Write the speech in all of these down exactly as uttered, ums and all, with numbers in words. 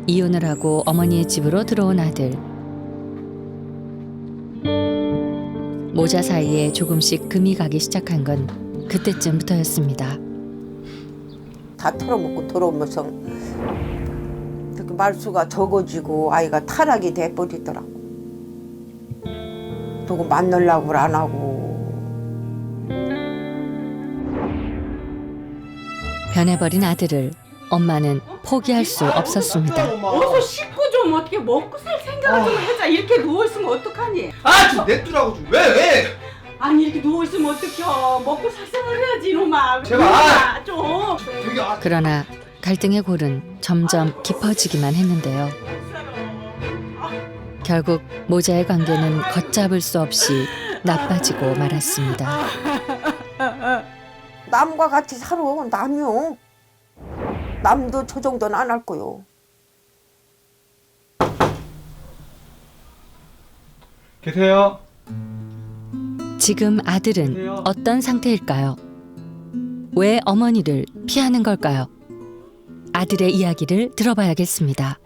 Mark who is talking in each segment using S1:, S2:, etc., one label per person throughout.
S1: 이혼을 하고 어머니의 집으로 들어온 아들. 모자 사이에 조금씩 금이 가기 시작한 건 그때쯤부터였습니다.
S2: 다 털어먹고 들어오면서 이렇게 말수가 적어지고 아이가 타락이 돼버리더라고. 누구 만나려고 안 하고.
S1: 변해버린 아들을 엄마는 포기할 수 없었습니다.
S3: 어서 씻고 좀 어떻게 먹고 살 생각을 좀 하자. 이렇게 누워있으면 어떡하니?
S4: 아, 좀 냅두라고 좀. 왜, 왜?
S3: 아니 이렇게 누워있으면 어떡해. 먹고 살 생각을 해야지 이놈아.
S4: 제발.
S3: 이놈아, 좀.
S4: 되게 아,
S1: 그러나 갈등의 골은 점점 깊어지기만 했는데요. 결국 모자의 관계는 걷잡을 수 없이 나빠지고 말았습니다.
S2: 남과 같이 살아. 남이요. 남도 저 정도는 안 할 거요.
S4: 계세요?
S1: 지금 아들은 어떤 상태일까요? 왜 어머니를 피하는 걸까요? 아들의 이야기를 들어봐야겠습니다.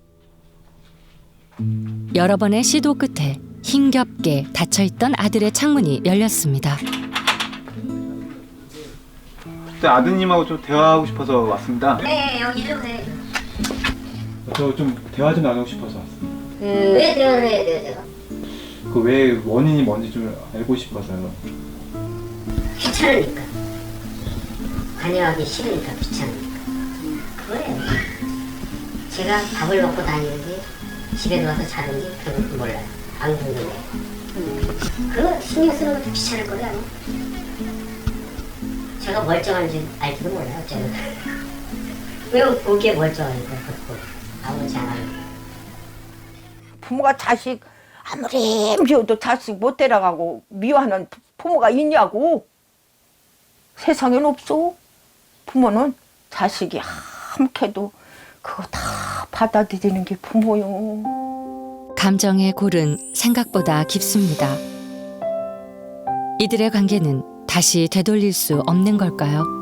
S1: 여러 번의 시도 끝에 힘겹게 닫혀있던 아들의 창문이 열렸습니다.
S4: 그때 아드님하고 좀 대화하고 싶어서 왔습니다.
S5: 네, 여기 좀 돼.
S4: 저 좀 대화 좀 나누고 싶어서 왔습니다.
S5: 왜 대화를 해야 돼요, 제가?
S4: 그 왜 원인이 뭔지 좀 알고 싶어서요.
S5: 귀찮으니까. 관여하기 싫으니까 귀찮으니까. 그거예요. 제가 밥을 먹고 다니는지 집에 들어와서 자는지 그것도 몰라요. 안 궁금해요. 그거 신경 쓰는 것도 귀찮을 거예요, 아마. 제가 멀쩡한지 알지도 몰라요, 어쩌면. 왜 보기에 멀쩡하니까, 그것도. 아무렇지 않아요.
S2: 부모가 자식 아무리 미워도 자식 못 데려가고 미워하는 부모가 있냐고. 세상엔 없어. 부모는 자식이 함께도 그거 다 받아들이는 게 부모요.
S1: 감정의 골은 생각보다 깊습니다. 이들의 관계는 다시 되돌릴 수 없는 걸까요?